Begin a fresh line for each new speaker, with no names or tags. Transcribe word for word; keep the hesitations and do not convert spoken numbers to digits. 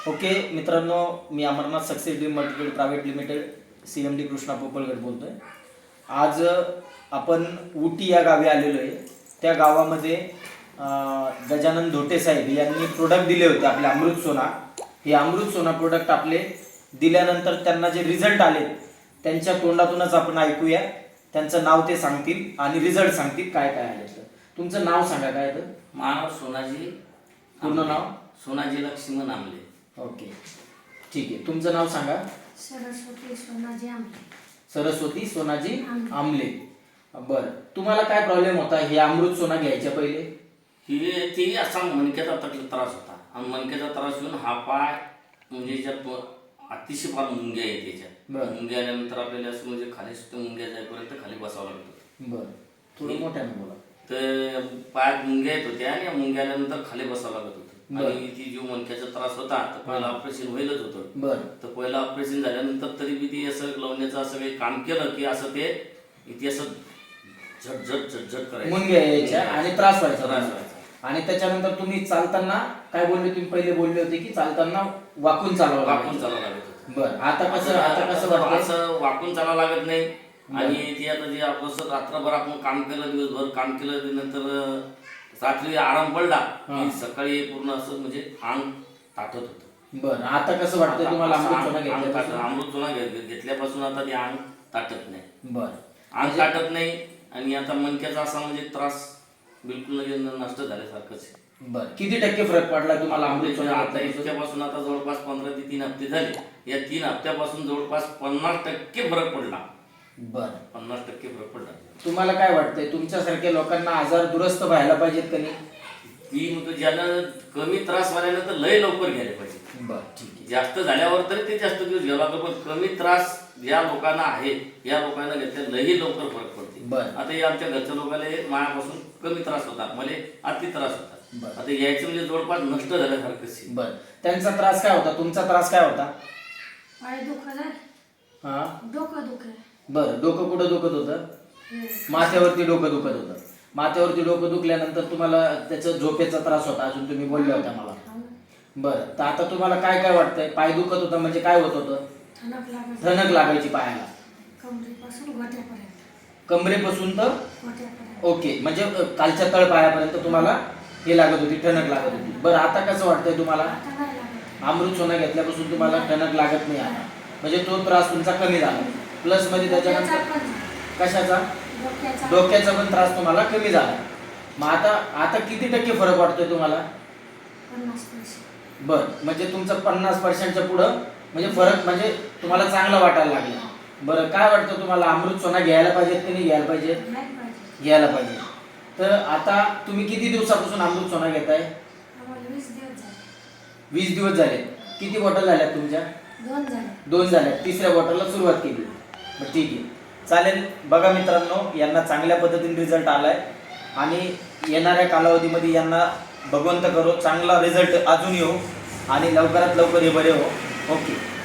Okay मित्रांनो, मी Amarnath success dream multiplate private limited C M D Krishna Popalgad बोलतोय। आज आपण उटी या गावी आलेलो आहे। त्या गावामध्ये गजानन धोटे साहेब यांनी प्रोडक्ट दिले होते आपले अमृत सोना। हे अमृत सोना प्रोडक्ट आपले दिल्यानंतर त्यांना जे रिझल्ट आले त्यांच्या तोंडातूनच आपण ऐकूया। त्यांचं नाव ते सांगतील आणि रिझल्ट सांगतील काय काय आले। तुमचं नाव सांगा काय तर?
मानव सोनाजी,
पूर्ण नाव?
सोनाजी लक्ष्मण आमले।
ओके ठीक आहे, तुमचं नाव सांगा?
सरस्वती सोनाजी आमले।
सरस्वती सोनाजी आमले। बर, तुम्हाला काय प्रॉब्लेम होता हे अमृत सोना घ्यायच्या पहिले?
ही ती असा मणक्याचा त्रास होता आणि मणक्याचा त्रास येऊन हा पाय म्हणजे ज्यात अतिशय फार मुंग्या येते त्याच्यात। मुंग्या आल्यानंतर आपल्याला असं म्हणजे खाली सुद्धा मुंग्या जाईपर्यंत खाली बसावं लागतं।
बरं, थोडं मोठ्याने बोला।
तर पायात मुंग्या येत होत्या आणि मुंग्या आल्यानंतर खाली बसावं लागत होतं आणि ती जो मणक्याचा त्रास होता तर पहिला ऑपरेशन व्हायलाच होतं।
बरं,
तर पहिलं ऑपरेशन झाल्यानंतर तरी बी ती असं लावण्याचं असं काही काम केलं की असं ते इथे असं झटझट झटझट करायचं,
मुंग्या यायच्या आणि त्रास व्हायचा
त्रास व्हायचा।
आणि त्याच्यानंतर तुम्ही चालताना काय बोलले? तुम्ही पहिले बोलले होते की चालताना वाकून चालावं
वाकून चालावं लागत होतं।
बरं, आता कसं आता कसं वाटतं?
असं वाकून चालावं लागत नाही आणि ती आता जे आपलं रात्रभर आपण काम केलं, दिवसभर काम केलं, नंतर रात्री आराम पडला की सकाळी पूर्ण असं म्हणजे अंग ताटत होतं।
बरं, आता कसं वाटतं तुम्हाला अमृत सोना घेतल्यापासून?
अमृत सोना घेतल्यापासून आता ते अंग ताटत नाही।
बरं,
अंग ताटत नाही आणि आता मणक्याचा असा म्हणजे त्रास बिलकुल नष्ट झाल्यासारखंच आहे।
बरं, किती टक्के फरक पडला तुम्हाला अमृत सोना
आता
घेतल्यापासून?
इतक्यापासून आता जवळपास पंधरा ते तीन हप्ते झाले, या तीन हप्त्यापासून जवळपास पन्नास टक्के फरक पडला।
बरं,
पन्नास टक्के फरक पडला।
तुम्हाला काय वाटतंय तुमच्यासारख्या लोकांना आजार दुरुस्त व्हायला पाहिजेत का नाही?
ती म्हणतो ज्यांना कमी त्रास व्हायला तर लय लवकर घ्यायला पाहिजे।
बरं ठीक आहे,
जास्त झाल्यावर तरी ते जास्त दिवस घ्यावं लागतं, पण कमी त्रास ज्या लोकांना आहे या लोकांना घेतल्या लई लवकर फरक पडते।
बरं,
आता हे आमच्या घरच्या लोकांना मायापासून कमी त्रास होता, मला अति त्रास होता।
बरं.
आता यायचं म्हणजे जवळपास नष्ट झाल्यासारखंच आहे।
बरं, त्यांचा त्रास काय होता? तुमचा त्रास काय होता?
पाय दुखत आहे,
हा,
डोकं दुखत
बरं, डोकं कुठं दुखत होतं? माथ्यावरती डोकं दुखत होतं। माथ्यावरती डोकं दुखल्यानंतर तुम्हाला त्याचा झोपेचा त्रास होता, अजून तुम्ही बोलले होता मला। बरं, तर आता तुम्हाला काय काय वाटतंय? पाय दुखत होतं म्हणजे काय होत होतं?
ठणक लागत,
ठणक लागायची पायाला,
कमरेपासून गोट्यापर्यंत,
कमरेपासून तर
गोट्यापर्यंत।
ओके, म्हणजे कालच्या तळ पायापर्यंत तुम्हाला हे लागत होती, ठणक लागत होती। बरं, आता कसं वाटतंय तुम्हाला?
आता नाही लागत।
अमृत सोना घेतल्यापासून तुम्हाला ठणक लागत नाही आता, म्हणजे तो त्रास तुमचा कमी झाला। प्लस मध्ये त्याच्यानंतर
डोक्याचा पण,
कशाचा?
डोक्याचा
डोक्याचा पण त्रास तुम्हाला कमी झाला। मग आता आता किती टक्के फरक वाटतोय तुम्हाला?
पन्नास पैसे।
बर, म्हणजे तुमचं पन्नास पर्सेंटच्या पुढं म्हणजे फरक म्हणजे तुम्हाला चांगलं वाटायला लागलं। बरं, काय वाटतं तुम्हाला अमृत सोना घ्यायला पाहिजेत की नाही घ्यायला पाहिजे?
नाही पाहिजे।
घ्यायला पाहिजे। तर आता तुम्ही किती दिवसापासून अमृत सोना घेताय?
आम्हाला वीस दिवस झाले।
वीस दिवस झाले। किती बॉटल झाल्या तुमच्या?
दोन झाले।
दोन झाल्या, तिसऱ्या बॉटलला सुरुवात केली। बरं ठीक आहे, चालेल। बघा मित्रांनो, यांना चांगल्या पद्धतीने रिझल्ट आलाय आणि येणाऱ्या कालावधीमध्ये यांना भगवंत करो चांगला रिझल्ट अजून येऊ आणि लवकरात लवकर हे बरे हो। ओके.